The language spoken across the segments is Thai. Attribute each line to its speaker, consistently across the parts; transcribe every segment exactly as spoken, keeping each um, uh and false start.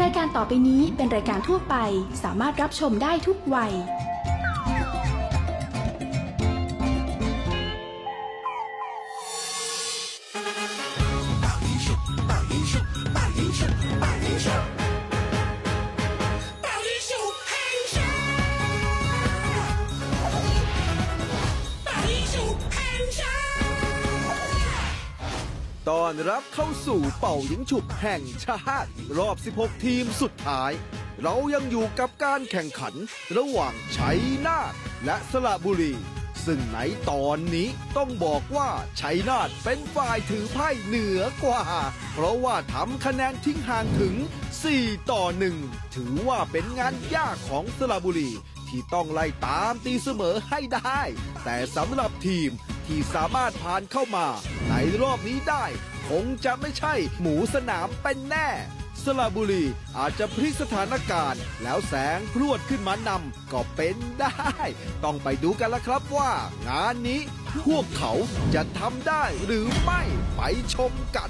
Speaker 1: ายการต่อไปนี้เป็นรายการทั่วไปสามารถรับชมได้ทุกวัย
Speaker 2: ต้อนรับเข้าสู่เป่ายิงฉุบแห่งชาติรอบ สิบหก ทีมสุดท้าย เรายังอยู่กับการแข่งขันระหว่างชัยนาทและสระบุรี ซึ่งในตอนนี้ต้องบอกว่าชัยนาทเป็นฝ่ายถือไพ่เหนือกว่า เพราะว่าทำคะแนนทิ้งห่างถึง สี่ ต่อ หนึ่ง ถือว่าเป็นงานยากของสระบุรี ที่ต้องไล่ตามตีเสมอให้ได้ แต่สำหรับทีมที่สามารถผ่านเข้ามาในรอบนี้ได้คงจะไม่ใช่หมูสนามเป็นแน่สระบุรีอาจจะพลิกสถานการณ์แล้วแสงพรวดขึ้นมานำก็เป็นได้ ต้องไปดูกันละครับว่างานนี้พวกเขาจะทำได้หรือไม่ไปชมกัน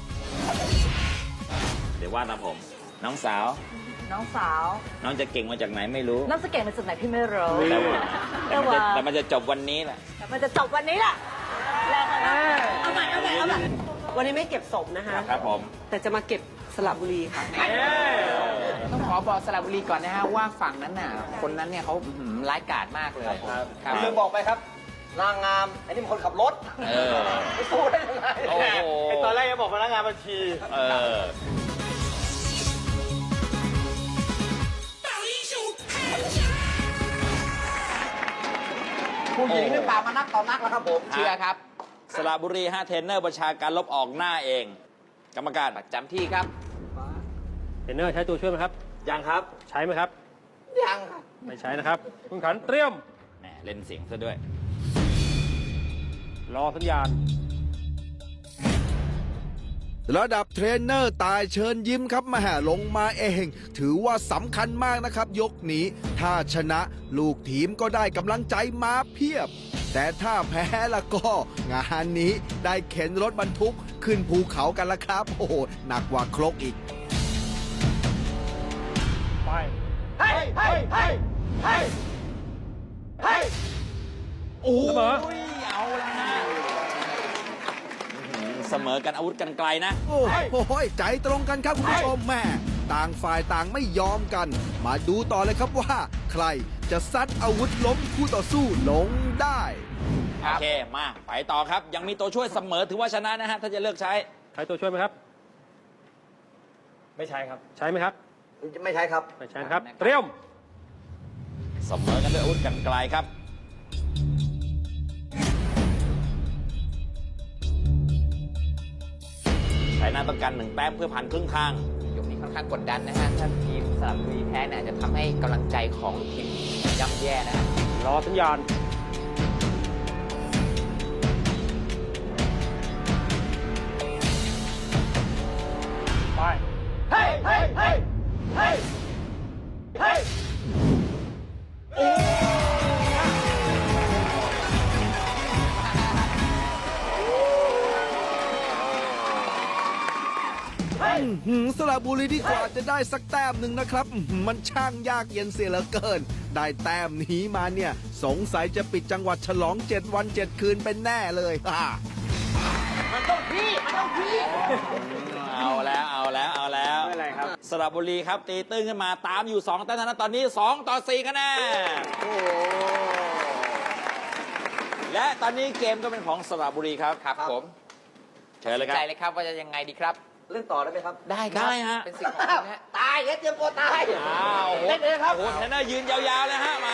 Speaker 3: เดี๋ยวว่านะผม น้องสาว
Speaker 4: น้องสาว
Speaker 3: น้องจะเก่งมาจากไหนไม่รู้
Speaker 4: น้องจะเก่งมาจากไหนพี่ไม่รู้
Speaker 3: แต่ว่า
Speaker 4: แต่ว่า
Speaker 3: แต่มันจะจบวันนี้แหละ
Speaker 4: แต่มันจะจบวันนี้แหละแล้วกันนะเอาใหม่เอาใหม่เอาใหม่
Speaker 5: วันนี้ไม่เก็บศพนะคะ
Speaker 3: ครับผม
Speaker 5: แต่จะมาเก็บสระบุรีค่ะ
Speaker 6: ต้องขอบอกสระบุรีก่อนนะฮะว่าฝั่งนั้นน่ะคนนั้นเนี่ยเขาอื้อหือร้ายกาจมากเลยครับ
Speaker 7: ลืมบอกไปครับ นางงามไอ้นี่มันคนขับรถ
Speaker 3: เออ
Speaker 7: ไม่สู้ได้ยังไง
Speaker 3: โอ้โห
Speaker 7: ไอ้ตอนแรกยังบอกพนักงานบัญชี
Speaker 3: เออ
Speaker 7: ผู้หญิงนี่ป่ามานักต่อนักแล้วครับผม
Speaker 6: เชื่อครับ
Speaker 3: สระบุรีฮะเทรนเนอร์ประชาการลบออกหน้าเอง กรรมการ
Speaker 6: ประจำที่ครับ
Speaker 8: เทรนเนอร์ใช้ตัวช่วยไหมครับ
Speaker 7: ยังครับ
Speaker 8: ใช้ไหมครับ
Speaker 7: ยังครับ
Speaker 8: ไม่ใช้นะครับ คุณขันเตรียม
Speaker 3: แหมเล่นเสียงซะด้วย
Speaker 8: รอสัญญาณ
Speaker 2: ระดับเทรนเนอร์ตายเชิญยิ้มครับมาแห่ลงมาเอง ถือว่าสำคัญมากนะครับยกนี้ ถ้าชนะลูกทีมก็ได้กำลังใจมาเพียบ แต่ถ้าแพ้ละก็งานนี้ได้เข็นรถบรรทุกขึ้นภูเขากันละครับ โอ้โหหนักกว่าครกอีก
Speaker 8: ไป
Speaker 7: เฮ้ยเฮ้ยเฮ้ยเฮ้ยเฮ้ย
Speaker 3: โอ้โห
Speaker 8: เสมอ
Speaker 3: เอาละฮะอื้อหือเสมอกันอาวุธกันไกลนะ
Speaker 2: โอ้โหใจตรงกันครับคุณผู้ชมแม่ต่างฝ่ายต่างไม่ยอมกัน มาดูต่อเลยครับว่า ใครจะซัดอาวุธล้มคู่ต่อสู้ลงได้
Speaker 3: โอเค มา ไปต่อครับ ยังมีตัวช่วยเสมอถือว่าชนะนะฮะ ถ้าจะเลือกใช้
Speaker 8: ใช้ตัวช่วยไหมครับ
Speaker 7: ไม่ใช่ครับ
Speaker 8: ใช้ไหมครับ
Speaker 7: ไม่ใช่ครับ
Speaker 8: ไม่ใช่นะครับ เตรียม
Speaker 3: เสมอกันด้วยอาวุธกันไกลครับ ใช้หน้าต้องการหนึ่งแต้มเพื่อผ่านครึ่งทาง
Speaker 6: ยกนี้ค่อนข้างกดดันนะฮะ ถ้าทีมสระบุรีแพ้เนี่ยอาจจะทำให้กำลังใจของทีมย่ำแย่นะฮะ
Speaker 8: รอสัญญาณ ไป
Speaker 7: เฮ้ยเฮ้ยเฮ้ยเฮ้ยเฮ้ย
Speaker 2: อื้อหือสระบุรีที่กว่าจะได้สักแต้มหนึ่งนะครับอื้อหือมันช่างยากเย็นเสียเหลือเกิน ได้แต้มนี้มาเนี่ย สงสัยจะปิดจังหวัดฉลองเจ็ดวันเจ็ดคืนเป็นแน่เลยฮ่า
Speaker 7: มันต้องพี่ มันต้องพี่
Speaker 3: เอาแล้ว เอาแล้ว เอาแล้ว
Speaker 7: ไม่เป็นไรครับ
Speaker 3: สระบุรีครับ ตีตื้นขึ้นมาตามอยู่สองแต้มเท่านั้นตอนนี้สองต่อสี่คะแนน
Speaker 7: โอ้โห
Speaker 3: และตอนนี้เกมก็เป็นของสระบุรีครับ
Speaker 6: ครับผม
Speaker 3: เชิญเลยครับ
Speaker 6: ใจเลยครับว่าจะยังไงดีครับ
Speaker 7: เล่นต่อได้ไหมครับ
Speaker 6: ได้ครับ
Speaker 3: ได้ฮะ
Speaker 6: เป็นสิ่งของคุณฮะ
Speaker 7: ตายเฮ้ยเตรียมตัวตาย
Speaker 3: อ้าวโอ้โห
Speaker 7: เล่นเลยครับ
Speaker 3: โอ้โหเทรนเนอร์ยืนยาวๆเลยฮะ มา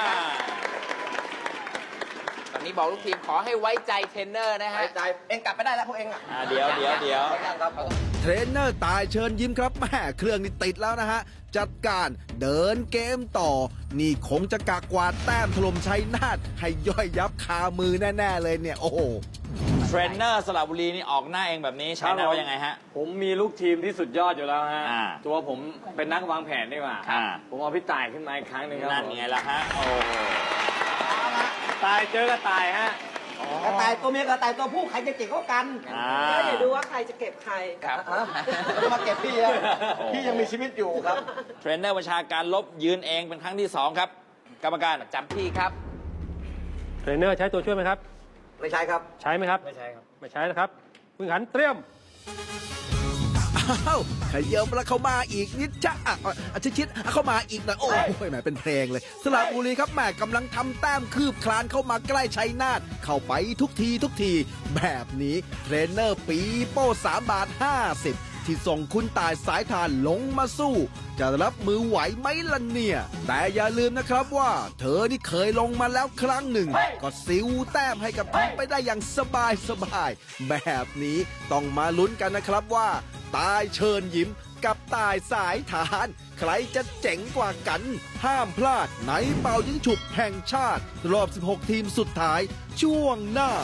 Speaker 6: ตอนนี้บอกลูกทีมขอให้ไว้ใจเทรนเนอร์นะฮะ
Speaker 7: ใจ เองกลับไปได้แล้วพวกเองอ่ะ
Speaker 3: อ่าเดี๋ยวเดี๋ยวเดี๋ยว
Speaker 7: ยังครับ
Speaker 2: เทรนเนอร์ตายเชิญยิ้มครับแม่เครื่องนี่ติดแล้วนะฮะ จัดการเดินเกมต่อ นี่คงจะกากวาดแต้มถล่มชัยนาทให้ย่อยยับคามือแน่ ๆ เลยเนี่ย โอ้โห
Speaker 3: เทรนเนอร์สระบุรีนี่ออกหน้าเองแบบนี้ใช้หน้าว่ายังไงฮะ
Speaker 9: ผมมีลูกทีมที่สุดยอดอยู่แล้วฮะ
Speaker 3: อ่า
Speaker 9: ตัวผมเป็นนักวางแผนดีกว่า
Speaker 3: อ่า
Speaker 9: ผมเอาพี่ต่ายขึ้นมาอีกครั้งหนึ่งครับ
Speaker 3: นั่น
Speaker 9: ผม
Speaker 3: ไงล่ะฮะ โอ้โห
Speaker 9: ตายเจอก็ตายฮะ
Speaker 7: กระต่ายตัวเมียกระต่ายตัวผู้ใครจะเจ๋งกว่ากัน
Speaker 3: อ่า
Speaker 5: ก็เดี๋ยวดูว่าใครจะเก็บใคร
Speaker 6: ครับ
Speaker 7: ฮะจะมาเก็บพี่อะพี่ยังมีชีวิตอยู่ครับ
Speaker 3: เทรนเนอร์ประชาการลบยืนเองเป็นครั้งที่สองครับ กรรมการ
Speaker 6: จำที่ครับ
Speaker 8: เทรนเนอร์ใช้ตัวช่วยไหมครับ
Speaker 7: ไม่ใช่ครับ
Speaker 8: ใช้ไหมครับ
Speaker 9: ไม่ใช่ครับ
Speaker 8: ไม่ใช้นะครับผู้แข่งขันเตรียม
Speaker 2: อ้าวขยับแล้วเข้ามาอีกนิดจะอ่ะอ่ะชิดชิดๆเข้ามาอีกหนะโอ้ยแหมเป็นเพลงเลยสระบุรีครับแหมกำลังทำแต้มคืบคลานเข้ามาใกล้ชัยนาทเข้าไปทุกทีทุกที แบบนี้เทรนเนอร์ปีโป้สามบาทห้าสิบที่ส่งคุณตายสายทานลงมาสู้ จะรับมือไหวไหมล่ะเนี่ย แต่อย่าลืมนะครับว่า เธอนี่เคยลงมาแล้วครั้งหนึ่ง ก็ซิวแต้มให้กับทีมไปได้อย่างสบายสบายๆแบบนี้ต้องมาลุ้นกันนะครับว่า ตายเชิญยิ้มกับตายสายฐาน ใครจะเจ๋งกว่ากัน ห้ามพลาดในเป่ายิงฉุบแห่งชาติ รอบ สิบหก ทีมสุดท้าย ช่วงหน้า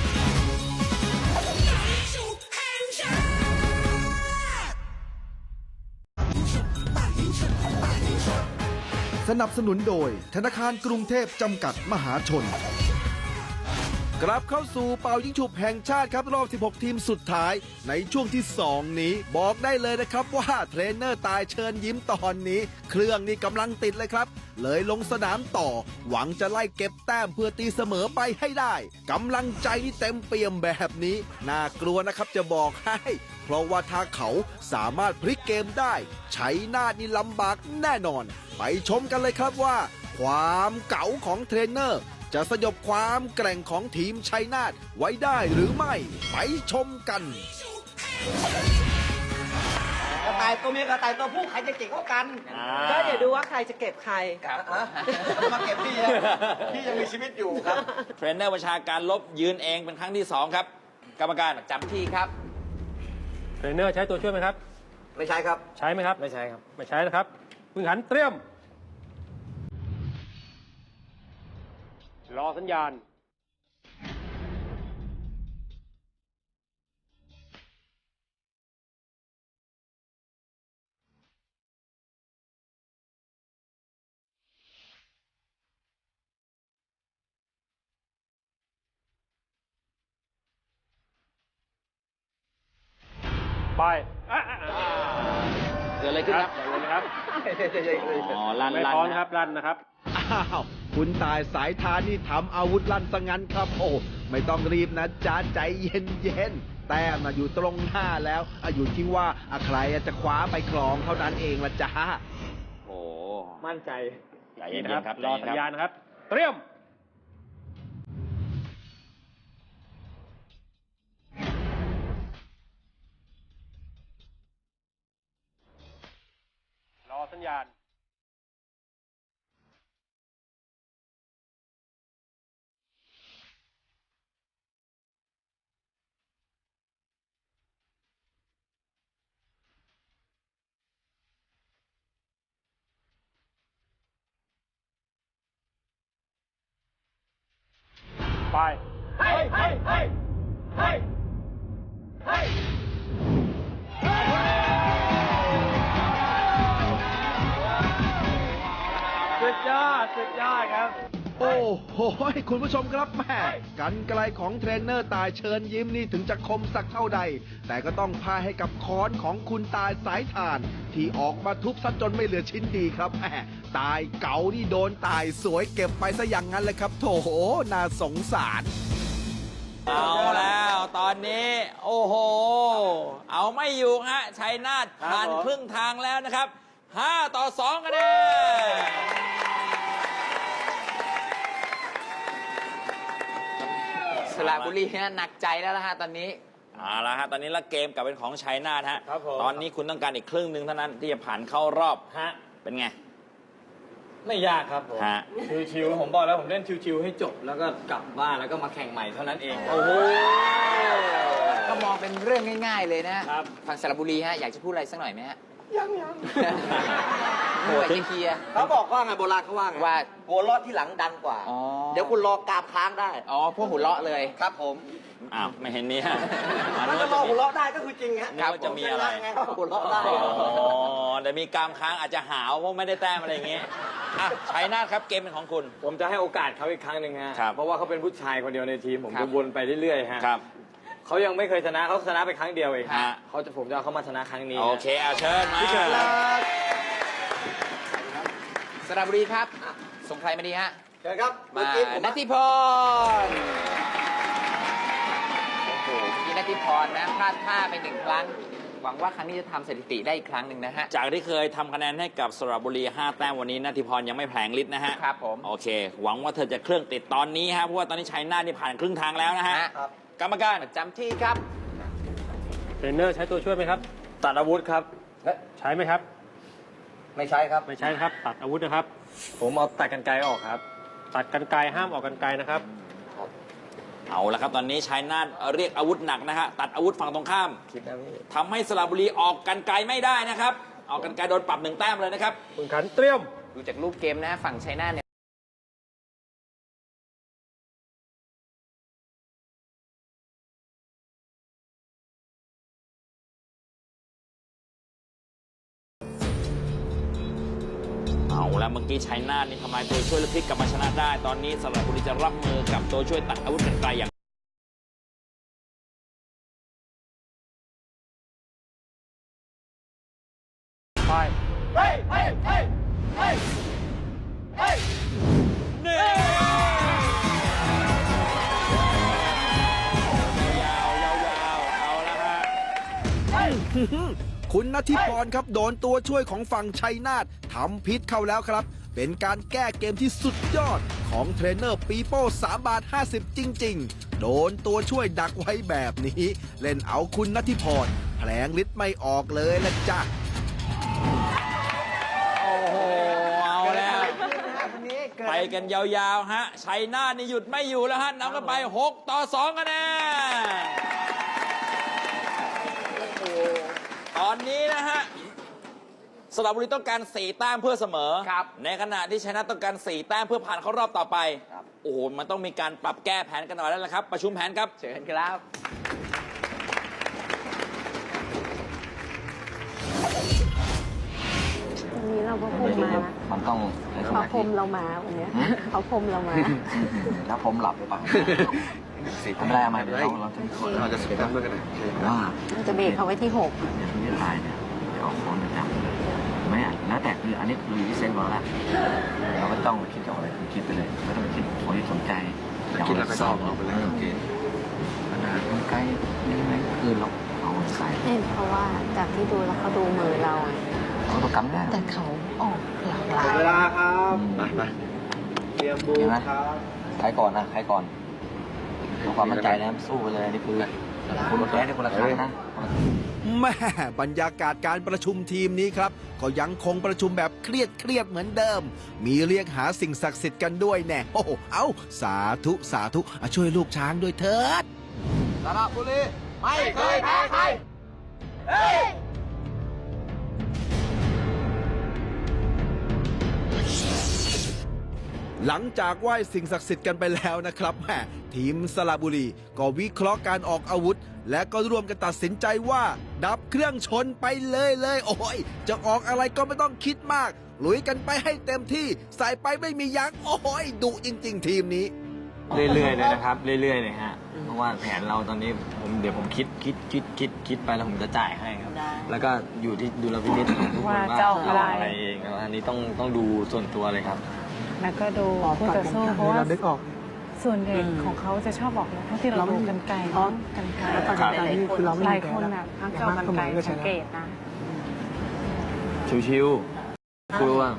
Speaker 2: สนับสนุนโดยธนาคารกรุงเทพจำกัดมหาชน กลับเข้าสู่เป่ายิงฉุบแห่งชาติครับรอบ สิบหก ทีมสุดท้าย ในช่วงที่ สอง นี้ บอกได้เลยนะครับว่าเทรนเนอร์ตายเชิญยิ้มตอนนี้ เครื่องนี่กำลังติดเลยครับ เลยลงสนามต่อ หวังจะไล่เก็บแต้มเพื่อตีเสมอไปให้ได้กำลังใจนี่เต็มเปี่ยมแบบนี้ น่ากลัวนะครับจะบอกให้ เพราะว่าถ้าเขาสามารถพลิกเกมได้ใช้หน้านี่ลำบากแน่นอน ไปชมกันเลยครับว่า ความเก๋าของเทรนเนอร์ จะสยบความแกร่งของทีมชัยนาทไว้ได้หรือไม่ ไปชมกัน
Speaker 7: กระต่ายตัวเมียกระต่ายตัวผู้ใครจะเจ๋งกว่ากัน
Speaker 5: ก็เดี๋ยวดูว่าใครจะเก็บใคร
Speaker 6: ครับ
Speaker 7: ฮะจะมาเก็บพี่อะพี่ยังมีชีวิตอยู่ครับ
Speaker 3: เทรนเนอร์ประชาการลบยืนเองเป็นครั้งที่สองครับ กรรมการ
Speaker 6: จำที่ครับ
Speaker 8: เทรนเนอร์ใช้ตัวช่วยไหมครับ
Speaker 7: ไม่ใช่ครับ
Speaker 8: ใช้ไหมครับ
Speaker 9: ไม่ใช่ครับ
Speaker 8: ไม่ใช้นะครับผู้แข่งขันเตรียม รอสัญญาณ ไปอ่ะอ่ะอ่ะ
Speaker 3: เกิดอะไรขึ้นครับ
Speaker 8: เดี๋ยวเลยนะครับ
Speaker 3: อ๋อลั่น
Speaker 8: ไม่
Speaker 3: ลั่น
Speaker 8: พร้อม
Speaker 3: นะ
Speaker 8: ครับลั่นนะครับ
Speaker 2: อ้าว คุณตายสายทานนี่ทำอาวุธลั่นซะงั้นครับ โอ้ไม่ต้องรีบนะจ๊ะใจเย็นเย็นๆแต้มน่ะอยู่ตรงหน้าแล้วอ่ะอยู่ที่ว่าอ่ะใครจะคว้าไปครองเท่านั้นเองละจ๊ะ
Speaker 3: โอ้
Speaker 9: มั่นใจ
Speaker 3: ใจเย็น
Speaker 8: นะครับ
Speaker 3: ๆครับ
Speaker 8: รอสัญญาณนะครับ เตรียม รอสัญญาณ ไป
Speaker 7: เฮ้ยเฮ้ยเฮ้ยเฮ้ยเฮ้ย
Speaker 8: สุดยอด สุดยอดครับ
Speaker 2: โอ้โหคุณผู้ชมครับแม่กันไกลของเทรนเนอร์ตายเชิญยิ้มนี่ถึงจะคมสักเท่าใด แต่ก็ต้องพาให้กับค้อนของคุณตายสายทาน ที่ออกมาทุบซะจนไม่เหลือชิ้นดีครับแม่ตายเก๋านี่โดนตายสวยเก็บไปซะอย่างนั้นเลยครับโถน่าสงสาร
Speaker 3: เอาแล้วตอนนี้ โอ้โห เอาไม่อยู่ฮะชัยนาทผ่าน
Speaker 9: ครับผม
Speaker 3: ครึ่งทางแล้วนะครับห้าต่อสองคะแนน
Speaker 6: สระบุรีเนี่ยหนักใจแล้วนะฮะตอนนี้
Speaker 3: เอาละฮะตอนนี้ละเกมกลับเป็นของชัยนาทฮะ
Speaker 9: ครับผม
Speaker 3: ตอนนี้คุณต้องการอีกครึ่งหนึ่งเท่านั้นที่จะผ่านเข้ารอบ
Speaker 9: ฮะ
Speaker 3: เป็นไง
Speaker 9: ไม่ยากครับผม
Speaker 3: ฮะ
Speaker 9: ชิวๆผมบอกแล้วผมเล่นชิวๆให้จบ แล้วก็กลับบ้านแล้วก็มาแข่งใหม่เท่านั้นเอง
Speaker 3: โอ้โห
Speaker 6: ก็มองเป็นเรื่องง่าย ๆ เลยนะครับ ทางสระบุรีฮะอยากจะพูดอะไรสักหน่อยไหมฮะ
Speaker 7: ยังยัง
Speaker 6: เหนื่อยจะเคลียร์
Speaker 7: เขาบอกว่าไงโบราณเขาว่าไง
Speaker 6: ว่า
Speaker 7: หัวเราะที่หลังดังกว่า
Speaker 6: อ๋อ
Speaker 7: เดี๋ยวคุณรอกราบค้างได้
Speaker 6: อ๋อพวกหัวเราะเลย
Speaker 7: ครับผม
Speaker 3: อ้าวไม่เห็นเนี่ย
Speaker 7: ถ้าจะรอหัวเราะได้ก็คือจริงฮะ
Speaker 3: นึกว่าจะมีอะไร
Speaker 7: ไงหัวเราะได้
Speaker 3: อ๋อแต่มีกรามค้างอาจจะหาวเพราะไม่ได้แต้มอะไรอย่างงี้อ่ะชัยนาทครับเกมเป็นของคุณ
Speaker 9: ผมจะให้โอกาสเขาอีกครั้งหนึ่งฮะ
Speaker 3: ครับ
Speaker 9: เพราะว่าเขาเป็นผู้ชายคนเดียวในทีม ผม
Speaker 3: ครั
Speaker 9: จะ
Speaker 3: บ
Speaker 9: วนไปเรื่อยๆฮะ
Speaker 3: ครับ
Speaker 9: เขายังไม่เคยชนะเขาชนะไปครั้งเดียวเอง
Speaker 3: ฮะ
Speaker 9: เขาจะผมจะเอาเขามาชนะครั้งนี้
Speaker 3: โอเคเอาเชิญมา
Speaker 9: พี่เกิดแล้ว
Speaker 6: สระบุรีครับ ส่งใครมาดีฮะ
Speaker 9: เชิญครับ
Speaker 6: มานัทธิพรโอ้โหเมื่อกี้นัทธิพรนะพลาดท่าไปหนึ่งครั้ง หวังว่าครั้งนี้จะทำสถิติได้อีกครั้งหนึ่งนะฮะ
Speaker 3: จากที่เคยทำคะแนนให้กับสระบุรีห้าแต้มวันนี้นัทธิพรยังไม่แผลงฤทธิ์นะฮะ
Speaker 6: ครับผม
Speaker 3: โอเค หวังว่าเธอจะเครื่องติดตอนนี้ฮะเพราะว่าตอนนี้ชัยนาทนี่ผ่านครึ่งทางแล้วนะฮะ
Speaker 6: ฮะ
Speaker 3: กรรมการ
Speaker 6: ประจำที่ครับ
Speaker 8: เทรนเนอร์ใช้ตัวช่วยไหมครับ
Speaker 9: ตัดอาวุธครับ
Speaker 8: ใช้ไหมครับ
Speaker 9: ไม่ใช่ครับ
Speaker 8: ไม่ใช้นะครับ ตัดอาวุธนะครับ
Speaker 9: ผมเอาตัดกันไกลออกครับ
Speaker 8: ตัดกันไกลห้ามออกกันไกลนะครับ
Speaker 3: เอาละครับตอนนี้ชัยนาทเรียกอาวุธหนักนะฮะตัดอาวุธฝั่งตรงข้าม
Speaker 9: คิดนะพี่
Speaker 3: ทำให้สระบุรีออกกันไกลไม่ได้นะครับ ออกกันไกลโดนปรับหนึ่งแต้มเลยนะครับ
Speaker 8: คุณขันเตรียม
Speaker 6: ดูจากรูปเกมนะฮะฝั่งชัยนาทเนี่ย
Speaker 3: เอาแล้วเมื่อกี้ชัยนาทนี่ทำลายตัวช่วยและพลิกกลับมาชนะได้ ตอนนี้สระบุรีจะรับมือกับตัวช่วยตัดอาวุธกันไกลอย่าง
Speaker 8: ไป
Speaker 7: เฮ้ยเฮ้ยเฮ้ยเฮ้ยเฮ้ย
Speaker 3: นี่ยาวยาวยาวเอาละฮะ
Speaker 2: คุณณทิพรครับโดนตัวช่วยของฝั่งชัยนาททำพิษเข้าแล้วครับ เป็นการแก้เกมที่สุดยอดของเทรนเนอร์ปีโป้สามบาทห้าสิบจริง ๆ โดนตัวช่วยดักไว้แบบนี้ เล่นเอาคุณณทิพรแผลงฤทธิ์ไม่ออกเลยละจ้ะ
Speaker 3: โอ้โห เอาแล้ว ไปกันยาวๆ ฮะ ชัยนาทนี่หยุดไม่อยู่แล้วฮะนำกันไปหกต่อสองคะแนนตอนนี้นะฮะ สระบุรีต้องการสี่แต้มเพื่อเสมอ
Speaker 6: ครับ
Speaker 3: ในขณะที่ชัยนาทต้องการสี่แต้มเพื่อผ่านเข้ารอบต่อไป โอ้โห มันต้องมีการปรับแก้แผนกันหน่อยแล้วล่ะครับ ประชุมแผนครับ
Speaker 6: เชิญครับ
Speaker 4: วันนี้เราก็พรมมานะ
Speaker 10: มันต้อง
Speaker 4: เขาพรมเรามาวันเนี้ยเขาพรมเรามา
Speaker 10: แล้วผมหลับหรือเปล่าทำอะไรมาเดี๋ยวเราเราจะเราจะเสียตั้งด้วยกันเลยว่า
Speaker 4: เราจะเบรกเขาไว้ที่หก
Speaker 10: อย่างที่ตายเนี่ยจะออกฟ้องประจำไม่อ่ะแล้วแต่คืออันนี้คืออยู่ที่เซนต์เราละเราก็ต้องคิดเอาอะไรคือคิดไปเลยไม่ต้องไปคิดโอ้ยสนใจคิดแล้วก็ชอบเราไปเลยโอเคขนาดมันใกล้นี่ไหมคือเราเอาใส่
Speaker 4: เอ้เพราะว่าจากที่ดูแล้วเขาดูมือเรา
Speaker 10: เขาต้องกำได้
Speaker 4: แต่เขาออกหลากหลาย
Speaker 9: เวลาครับ
Speaker 10: ไปไป
Speaker 9: เตรียมบู
Speaker 10: เห็นไหม
Speaker 9: ครับ
Speaker 10: ใครก่อนนะใครก่อนเอาความมั่นใจนะสู้ไปเลยนี่คือคุณแพ้ได้คนละครั้งนะ
Speaker 2: แม่บรรยากาศการประชุมทีมนี้ครับ ก็ยังคงประชุมแบบเครียดเครียดเหมือนเดิม มีเรียกหาสิ่งศักดิ์สิทธิ์กันด้วยแน่โอ้โหเอาสาธุสาธุอ่ะช่วยลูกช้างด้วยเถิด
Speaker 10: สระบุรีไม่
Speaker 7: ไม่เคยแพ้ใคร เฮ้ย
Speaker 2: หลังจากไหว้สิ่งศักดิ์สิทธิ์กันไปแล้วนะครับแหมทีมสระบุรีก็วิเคราะห์การออกอาวุธ และก็ร่วมกันตัดสินใจว่า ดับเครื่องชนไปเลยเลยโอ้ยจะออกอะไรก็ไม่ต้องคิดมาก ลุยกันไปให้เต็มที่ใส่ไปไม่มียั้งโอ้ยดุจริง ๆ ทีมนี้
Speaker 9: เรื่อยๆเลยนะครับ เรื่อยๆเลยฮะ เพราะว่าแผนเราตอนนี้ผมเดี๋ยวผมคิดคิดคิดคิดคิดไปแล้วผมจะจ่ายให้ครับ แล้วก็อยู่ที่ดุลพินิจของทุกคนว่า
Speaker 4: ว่าจะออกอะไร
Speaker 9: อะไรเองอันนี้ต้องต้องดูส่วนตัวเลยครับ
Speaker 11: แล้วก็ดูคู่ต่อสู้เพราะว่าส่วนใหญ่ของเขาจะชอบบอกนะเท่าที่เราดูกันไกลเนาะกันไกล
Speaker 9: ครับ
Speaker 11: หลายคนอ่ะพักจะเอากันไกลสังเกตนะ
Speaker 9: ชิวๆคุยว่า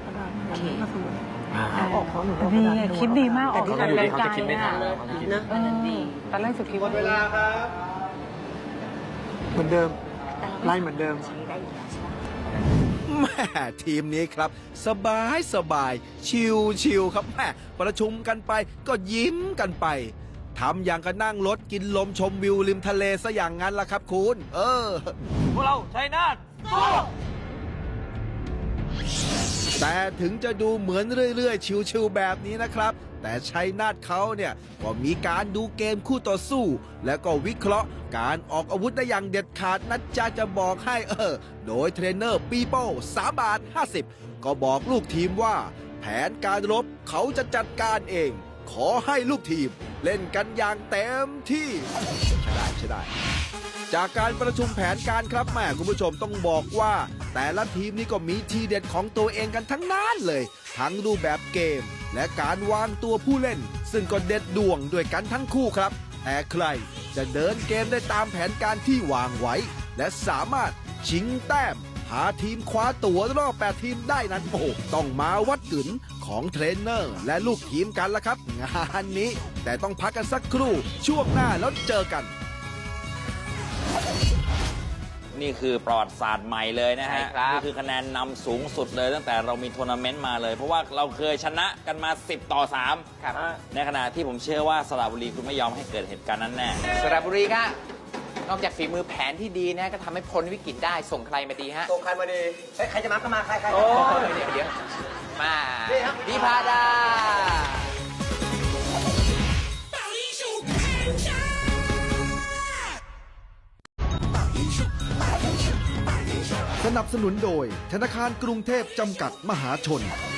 Speaker 11: ดีอะคิดดีมากออก
Speaker 9: เขา
Speaker 11: กัน
Speaker 9: อยู่
Speaker 11: ไกล
Speaker 9: ที่เขาจะคิดไม่ทันแล้วเขาจะคิด
Speaker 4: นะอันนั้นดี
Speaker 11: ตอนแรกสุดคิดว่า
Speaker 9: เวลาครับ
Speaker 5: เหมือนเดิม ไล่เหมือนเดิม
Speaker 4: ใช้ได้อยู่แล้วใช่ไหม
Speaker 2: แม่ทีมนี้ครับ สบายสบายชิวชิวครับแม่ประชุมกันไปก็ยิ้มกันไปทำอย่างกับนั่งรถกินลมชมวิวริมทะเลซะอย่างนั้นล่ะครับคุณ เออ
Speaker 9: พวกเราชัยนาท
Speaker 2: แต่ถึงจะดูเหมือนเรื่อยๆ ชิวๆแบบนี้นะครับ แต่ชัยนาทเขาเนี่ยก็มีการดูเกมคู่ต่อสู้ และก็วิเคราะห์การออกอาวุธได้อย่างเด็ดขาดนะจ๊ะจะบอกให้เออ โดยเทรนเนอร์ปีโป้สามบาทห้าสิบก็บอกลูกทีมว่า แผนการรบเขาจะจัดการเอง ขอให้ลูกทีมเล่นกันอย่างเต็มที่ใช่ได้ใช่ได้ จากการประชุมแผนการครับแม่คุณผู้ชมต้องบอกว่า แต่ละทีมนี่ก็มีทีเด็ดของตัวเองกันทั้งนั้นเลย ทั้งรูปแบบเกม และการวางตัวผู้เล่น ซึ่งก็เด็ดดวงด้วยกันทั้งคู่ครับ แต่ใครจะเดินเกมได้ตามแผนการที่วางไว้ และสามารถชิงแต้มพาทีมคว้าตั๋วรอบแปดทีมได้นั้นโอ้ต้องมาวัดกึ๋นของเทรนเนอร์และลูกทีมกันละครับ งานนี้แต่ต้องพักกันสักครู่ช่วงหน้าแล้วเจอกัน
Speaker 3: นี่คือประวัติศาสตร์ใหม่เลยนะฮะ
Speaker 6: ใช่ครับ
Speaker 3: นี่คือคะแนนนำสูงสุดเลยตั้งแต่เรามีทัวร์นาเมนต์มาเลย เพราะว่าเราเคยชนะกันมา สิบ ต่อ สาม
Speaker 6: ครับ
Speaker 3: ในขณะที่ผมเชื่อว่าสระบุรีคุณไม่ยอมให้เกิดเหตุการณ์นั้นแน่
Speaker 6: สระบุรีครับนอกจากฝีมือแผนที่ดีนะก็ทำให้พ้นวิกฤตได้ส่งใครมาดีฮะ
Speaker 7: ส่งใครมาดีเฮ้ยใครจะมาก็มาใครใคร
Speaker 6: โอ้เดี๋ยวเดี๋ยวมาพิพาดา
Speaker 2: สนับสนุนโดยธนาคารกรุงเทพจำกัดมหาชน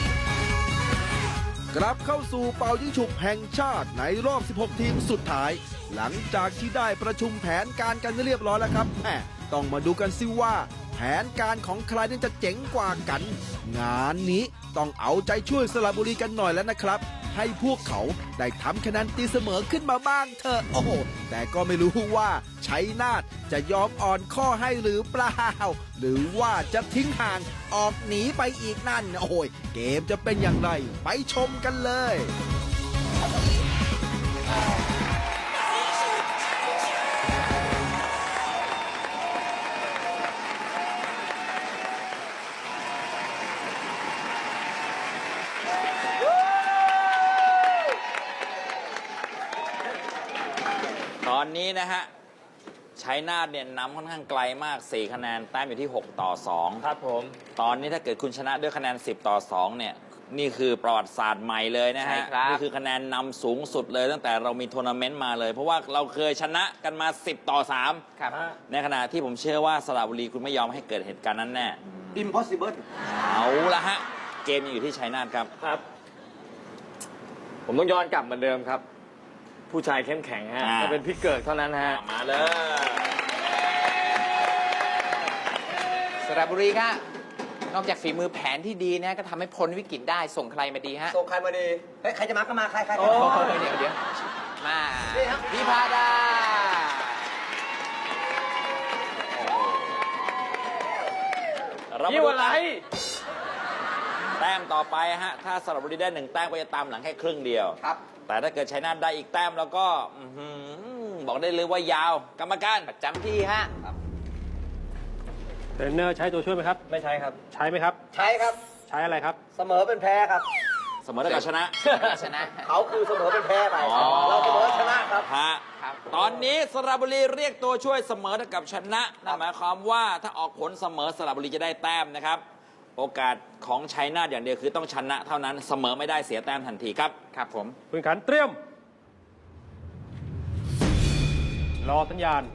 Speaker 2: กลับเข้าสู่เป่ายิงฉุบแห่งชาติในรอบ สิบหก ทีมสุดท้าย หลังจากที่ได้ประชุมแผนการกันเรียบร้อยแล้วครับแหมต้องมาดูกันซิว่า แผนการของใครนั้นจะเจ๋งกว่ากัน งานนี้ต้องเอาใจช่วยสระบุรีกันหน่อยแล้วนะครับ ให้พวกเขาได้ทำคะแนนตีเสมอขึ้นมาบ้างเถอะโอ้โหแต่ก็ไม่รู้ว่าชัยนาทจะยอมอ่อนข้อให้หรือเปล่า หรือว่าจะทิ้งห่างออกหนีไปอีกนั่นโอ้ยเกมจะเป็นอย่างไรไปชมกันเลย
Speaker 3: ตอนนี้นะฮะชัยนาทเนี่ยนำค่อนข้างไกลมาก สี่ คะแนนแต้มอยู่ที่ หก ต่อ สอง
Speaker 9: ครับผม
Speaker 3: ตอนนี้ถ้าเกิดคุณชนะด้วยคะแนน สิบ ต่อ สอง เนี่ยนี่คือประวัติศาสตร์ใหม่เลยนะ
Speaker 6: ใช่
Speaker 3: ฮะ
Speaker 6: ครับ
Speaker 3: นี่คือคะแนนนำสูงสุดเลยตั้งแต่เรามีทัวร์นาเมนต์มาเลย เพราะว่าเราเคยชนะกันมา สิบ ต่อ สาม
Speaker 6: ครับ
Speaker 3: ในขณะที่ผมเชื่อว่าสระบุรีคุณไม่ยอมให้เกิดเหตุการณ์นั้นแน่
Speaker 7: impossible
Speaker 3: เอาละฮะเกมยังอยู่ที่ชัยนาทครับ
Speaker 9: ครับ ผมต้องย้อนกลับเหมือนเดิมครับ ผู้ชายเข้มแข็งฮะ
Speaker 3: อ่า
Speaker 9: จะเป็นพี่เกิดเท่านั้นฮะ
Speaker 3: มาเลย
Speaker 6: สระบุรีครับนอกจากฝีมือแผนที่ดีนะก็ทำให้พ้นวิกฤตได้ส่งใครมาดีฮะ
Speaker 7: ส่งใครมาดีเฮ้ยใครจะมาก็มาใครใคร
Speaker 6: โอ้เดี๋ยวเดี๋ยวมาพิพาดา
Speaker 3: เรามา
Speaker 9: ยี่
Speaker 3: ดู
Speaker 9: วันไร
Speaker 3: แต้มต่อไปฮะถ้าสระบุรีได้หนึ่งแต้มก็จะตามหลังแค่ครึ่งเดียว
Speaker 7: ครับ
Speaker 3: แต่ถ้าเกิดชัยนาทได้อีกแต้มแล้วก็อื้อหือบอกได้เลยว่ายาว กรรมการ
Speaker 6: ประจำที่ฮะ
Speaker 8: เทรนเนอร์ใช้ตัวช่วยไหมครับ
Speaker 9: ไม่ใช่ครับ
Speaker 8: ใช้ไหมครับ
Speaker 7: ใช่ครับ
Speaker 8: ใช้อะไรครับ
Speaker 7: เสมอเป็นแพ้ครับ
Speaker 3: เสมอได้กับชนะ
Speaker 6: ชนะ
Speaker 7: เขาคือเสมอเป็นแพ้ไป
Speaker 3: อ๋อ
Speaker 7: เราเสมอชนะครับ
Speaker 3: ฮะ
Speaker 6: ครับ
Speaker 3: ตอนนี้สระบุรีเรียกตัวช่วยเสมอเท่ากับชนะนั่นหมายความว่าถ้าออกผลเสมอสระบุรีจะได้แต้มนะครับ โอกาสของชัยนาทอย่างเดียวคือต้องชนะเท่านั้นเสมอไม่ได้เสียแต้มทันทีครับ
Speaker 6: ครับผม
Speaker 8: คุณขันเตรียม รอสัญญาณ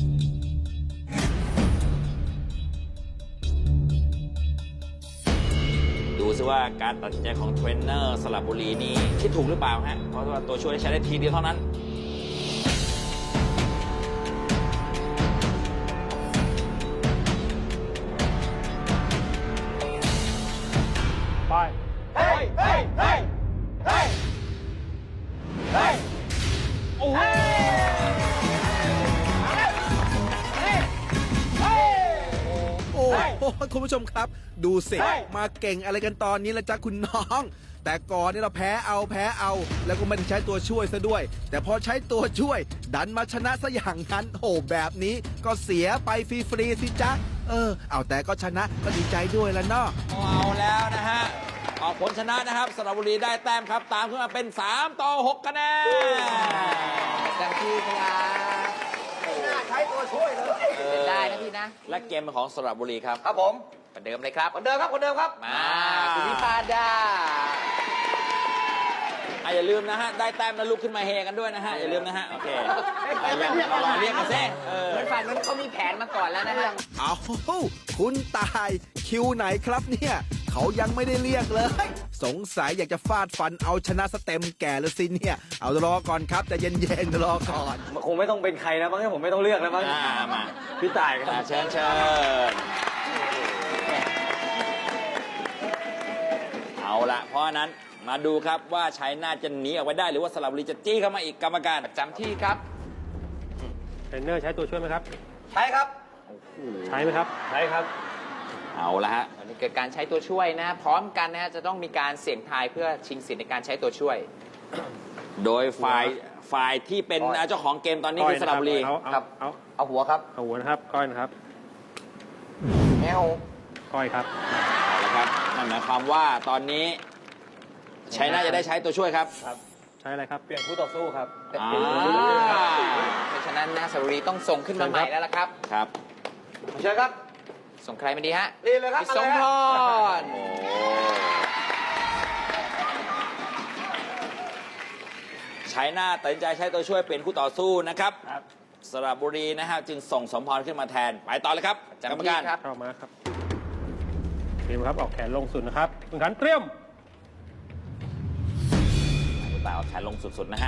Speaker 3: ดูซิว่าการตัดสินใจของเทรนเนอร์สระบุรีนี่คิดถูกหรือเปล่าฮะ เพราะว่าตัวช่วยใช้ได้ทีเดียวเท่านั้น
Speaker 8: ไป
Speaker 7: เฮ้ย เฮ้ย เฮ้ย เฮ้ย เฮ้ย
Speaker 3: โอ้โห
Speaker 2: โอ้โหคุณผู้ชมครับ ดูสิ มาเก่งอะไรกันตอนนี้ละจ๊ะคุณน้อง แต่ก่อนนี่เราแพ้เอาแพ้เอา แล้วก็ไม่ได้ใช้ตัวช่วยซะด้วย แต่พอใช้ตัวช่วย ดันมาชนะซะอย่างนั้นโอ้แบบนี้ก็เสียไปฟรีๆสิจ๊ะ เออ เอาแต่ก็ชนะก็ดีใจด้วยละเนาะ
Speaker 3: เอาแล้วนะฮะ ออกผลชนะนะครับสระบุรีได้แต้มครับ ตามขึ้นมาเป็น สาม ต่อ หก คะแนน
Speaker 6: ประจำที่ครับ
Speaker 7: ชัยนาทใช้ตัวช่วยเลย
Speaker 6: เป็นได้นะพี่นะ
Speaker 3: และเกมเป็นของสระบุรีครับ
Speaker 7: ครับผม
Speaker 6: เหมือนเดิมเลยครับ
Speaker 7: คนเดิมครับคนเดิมครับ
Speaker 6: มาคุณวิพาดา
Speaker 3: อ่ะอย่าลืมนะฮะ ได้แต้มแล้วลุกขึ้นมาเฮกันด้วยนะฮะ อย่าลืมนะฮะ โอเคอ่ะยังรอเรียกกันเซ่เออ
Speaker 6: เหมือนฝั่งนั้นเขามีแผนมาก่อนแล้วนะฮะ
Speaker 2: เอาคุณตายคิวไหนครับเนี่ย เขายังไม่ได้เรียกเลย สงสัยอยากจะฟาดฟันเอาชนะสเต็มแก่เลยสิเนี่ย เอารอก่อนครับแต่เย็นๆรอก่อน
Speaker 9: คงไม่ต้องเป็นใครแล้วมั้งผมไม่ต้องเลือกแล้วมั้ง
Speaker 3: อ่ามา
Speaker 9: พี่ต่ายค
Speaker 3: อ่ะ
Speaker 9: รับ
Speaker 3: เชิญเชิญเอาละเพราะฉะนั้นมาดูครับว่าชัยนาทจะหนีออกไปได้หรือว่าสระบุรีจะจี้เข้ามาอีกกรรมการ
Speaker 6: จำที่ครับ
Speaker 8: เทรนเนอร์ใช้ตัวช่วยไหมครับ
Speaker 7: ใช่ครับ
Speaker 8: ใช้ไหมครับ
Speaker 9: ใช่ครับ
Speaker 3: เอาละฮะ
Speaker 6: ตอนนี้เกิดการใช้ตัวช่วยนะ พร้อมกันนะฮะจะต้องมีการเสี่ยงทายเพื่อชิงสิทธิ์ในการใช้ตัวช่วย
Speaker 3: โดยฝ่ายฝ่ายที่เป็นเจ้าของเกมตอนนี้คือสระบุรี
Speaker 8: เอาเอาเอา
Speaker 7: เอาหัวครับ
Speaker 8: เอาหัวนะครับ ก้อยนะครับ
Speaker 7: แมว
Speaker 8: ก้อยครับ
Speaker 3: เอาละครับนั่นหมายความว่าตอนนี้ชัยนาทจะได้ใช้ตัวช่วยครับ
Speaker 8: ใช้อะไรครับ
Speaker 9: เปลี่ยนคู่ต่อสู้ครับ
Speaker 3: อ่า
Speaker 6: เพราะฉะนั้นนะสระบุรีต้องส่งขึ้นมาใหม่แล้วล่ะครับ
Speaker 3: ครับ
Speaker 7: เชิญครับ
Speaker 6: ส่งใครมาดีฮะ
Speaker 7: นี่เลยครับ
Speaker 6: พี่สมพร
Speaker 3: โอ้ชัยนาทตัดสินใจใช้ตัวช่วยเป็นคู่ต่อสู้นะครับสระบุรีนะฮะจึงส่งสมพรขึ้นมาแทนไปต่อเลยครับ
Speaker 6: จำ
Speaker 3: กรรม
Speaker 6: ที่
Speaker 3: การ
Speaker 6: ครับ
Speaker 8: เข้ามาครับเตรียมครับ ออกแขนลงสุดนะครับคุณขันเตรียม
Speaker 3: คุณตาเอาแขนลงสุดๆนะฮะ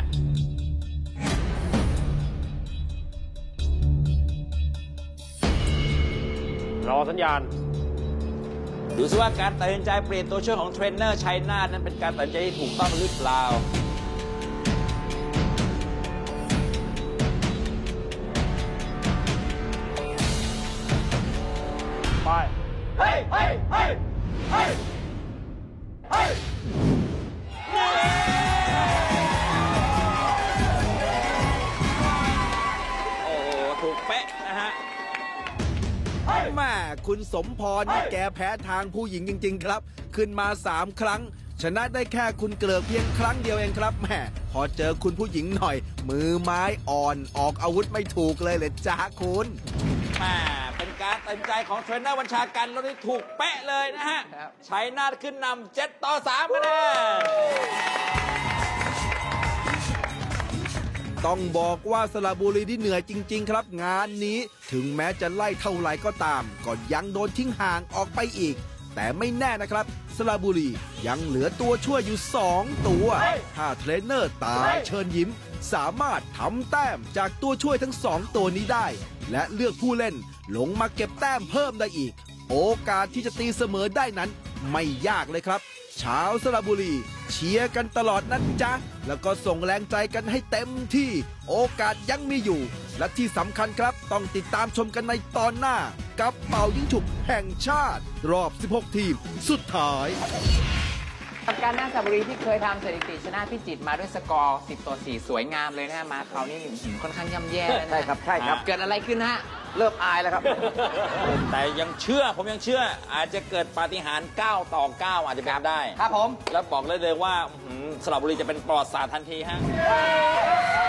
Speaker 8: รอสัญญาณ
Speaker 3: ดูซิว่าการตัดสินใจเปลี่ยนตัวช่วยของเทรนเนอร์ชัยนาทนั้นเป็นการตัดสินใจที่ถูกต้องหรือเปล่า
Speaker 8: ไป
Speaker 7: เฮ้ยเฮ้ยเฮ้ยเฮ้ยเฮ้ย
Speaker 3: โอ้โหถูกเป๊ะนะฮะ
Speaker 2: แม่คุณสมพรนี่แกแพ้ทางผู้หญิงจริง ๆ ครับ ขึ้นมาสามครั้ง ชนะได้แค่คุณเกลือเพียงครั้งเดียวเองครับแม่พอเจอคุณผู้หญิงหน่อย มือไม้อ่อนออกอาวุธไม่ถูกเลยเลยจ้าคุณ
Speaker 3: แม่เป็นการตัดสินใจของเทรนเนอร์บัญชาการแล้วที่ถูกเป๊ะเลยนะฮะ
Speaker 6: ครับ
Speaker 3: ชัยนาทขึ้นนำเจ็ดต่อสามคะแนน
Speaker 2: ต้องบอกว่าสระบุรีที่เหนื่อยจริง ๆ ครับ งานนี้ถึงแม้จะไล่เท่าไหร่ก็ตาม ก็ยังโดนทิ้งห่างออกไปอีก แต่ไม่แน่นะครับสระบุรียังเหลือตัวช่วยอยู่สองตัว ถ้าเทรนเนอร์ตายเชิญยิ้ม สามารถทำแต้มจากตัวช่วยทั้งสองตัวนี้ได้ และเลือกผู้เล่นลงมาเก็บแต้มเพิ่มได้อีก โอกาสที่จะตีเสมอได้นั้นไม่ยากเลยครับ ชาวสระบุรีเชียร์กันตลอดนะจ๊ะ แล้วก็ส่งแรงใจกันให้เต็มที่ โอกาสยังมีอยู่ และที่สำคัญครับ ต้องติดตามชมกันในตอนหน้า กับเป่ายิงฉุบแห่งชาติ รอบ สิบหก ทีม สุดท้าย
Speaker 6: กับการหน้าสระบุรีที่เคยทำสถิติชนะพิจิตรมาด้วยสกอร์ สิบต่อสี่ สวยงามเลยนะฮะมาคราวนี้อื้อหือค่อนข้างย่ำแย่แล้วนะ
Speaker 7: ใช่ครับใช่ครับ
Speaker 6: เกิดอะไรขึ้นฮะ
Speaker 7: เริ่มอายแล้วครับ
Speaker 3: แต่ยังเชื่อผมยังเชื่อ อาจจะเกิดปาฏิหาริย์เก้าต่อเก้าอาจจะเป็นได้
Speaker 7: ครับผม
Speaker 3: แล้วบอกเลยเลยว่าอื้อหือสระบุรีจะเป็นปลอดศาสตร์ทันทีฮะ